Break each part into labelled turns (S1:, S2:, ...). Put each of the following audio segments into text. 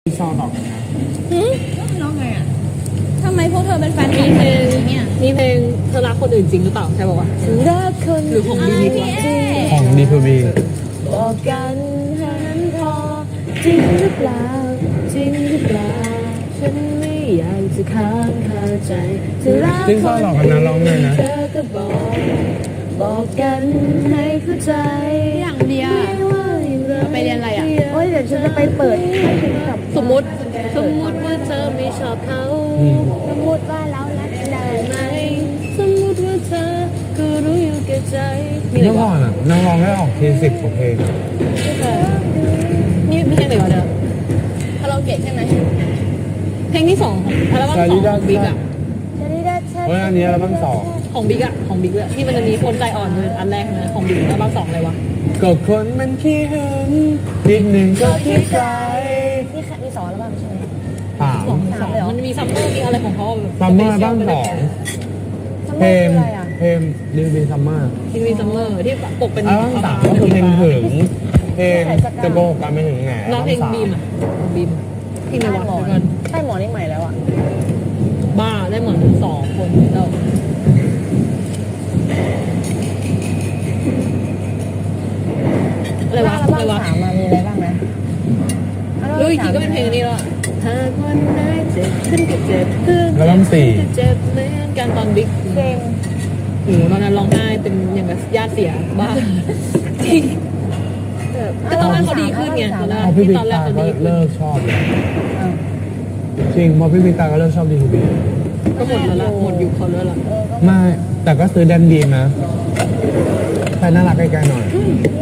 S1: พี่ชอบตอบกันนะ
S2: ร้องไงอ่ะ
S3: ทำไมพวกเธอเป็นแฟนคลับกันอย่างนี้เนี่ย
S2: มีเพลงเธอรักคนอื่นจริงหรือเปล่าใช่ป่าวะ
S3: รักคน
S2: หรือของบีบีวะ
S1: ของ D2B
S3: บอกกันแค่นั้นพอจริงหรือเปล่าจริงหรือเปล่าฉันไม่อยากจะค้างคาใจจะรัก
S1: จริงชอบหลอกกันนะร้องเลยนะ
S3: เธอก็บอกกันให้เข้าใจ
S2: อย่างเดียว
S3: ไม่ว่าอย่างไร
S2: ไปเรียนอะไรอ่ะ
S3: โอ้ยเดี๋ยวฉันจะไปเปิดกับ
S2: สมมติว่าเธอไม่ชอบเขา
S1: อืม
S3: สมมติว่าเรารักกันได้
S2: ไหมสมมติว่าเธอก็รู้อยู่แก่ใจมีอะไร
S1: เมื่อก่
S2: วะ
S1: อนอ่ะนักร้องได้ออกที10กว่าเพลงอะ
S2: นี่มีเพลงไหนวะเด้อคาราโอเกะใช่ไหมเพลงที่สองของอัลบั้มสองของบิ๊กอ่ะ
S1: เฮ้ยอันนี้อัลบั้ม2
S2: ของบิ๊กอะของบิ๊กอะที่มันจะมีคนใจอ่อนเลยอันแรกนะของบิ๊กอัลบั้มสองอะไรวะ
S1: ก็คนมันขี้หึงนิดหนึ่งก็ขี้ใจ
S3: นี่สอนแล้วบ้างใช่ไหม
S1: สาม
S2: สองมันมีซัมเมอร์มีอะไรของเขาแบบ
S1: ซัมเมอร์อัลบั้ม2เพลงเพลงD2Bซัมเมอร์
S2: ที่มีซัมเมอร์ที่ปกเป็น
S1: อัลบั้ม3ก็คือเพลงถึงเพลงจะโกหกกันไม่ถึงไหน
S2: น้องเพลงบีมอะบีมที่ในวัดกัน
S3: ใต้หมอนี่ใหม่แล้วอ่ะ
S2: บ้าได้เหมือนสองคนแล้วอะไรวะอะไรวะ
S3: สามมีอะไรบ้างนะ
S2: รู้อีกทีก็เป็นเพลงนี้แล้วหากวันไหนเจ็บขึ้นก็เจ็บขึ้น
S1: อัลบั้ม
S2: จะเจ็บเหมือนกันตอนบิ๊ก
S3: เพลง
S2: โอ้โหตอนนั้นร้องไห้เป็นอย่างกับญาติเสียบ้าจริงแต่ตอนนั้นเขาดีขึ้นไงตอนแร
S1: 4
S2: ก
S1: พอพี่
S2: ที่
S1: บิ๊
S2: ต
S1: ก
S2: อนแรก
S1: ตาย
S2: เขา
S1: ก็
S2: ดีขึ้น
S1: เลิกชอบเลยจริงพอพี่บิ๊กตายก็เลิกชอบD2B
S2: ก็หมดแล้วล่ะหมดยุคเขาแล้วล่ะ
S1: ไม่แต่ก็ซื้อแดนบีมนะแฟนน่ารักใกล้ๆหน่อย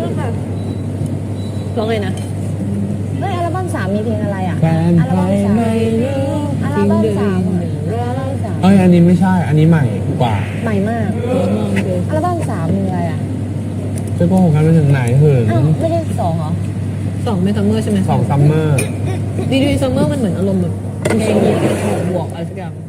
S2: ร้องไงนะ
S3: เฮ้ยอัลบั้มสามมีเพลงอะไรอ่ะ
S1: แฟน
S3: อัล
S1: ใคร
S3: บั้มสาม
S1: ไม่รู้
S3: อัลบั้มสามอัลบั้มสาม
S1: เอ้ยอันนี้ไม่ใช่ อันนี้ใหม่กว่า
S3: ใหม่มากอัลบั้มสามมีอะไรอ่ะ
S1: จะโกหกกันไปถึงไหนเหิน
S3: อ้าวไม่ใช่สองเหรอ
S2: สองเป็นซัมเมอร์ใช่ไหม
S1: 2ซัมเมอร์
S2: ดีซัมเมอร์มันเหมือนอารมณ์แบบเพลงบวกอะไรสักอย่าง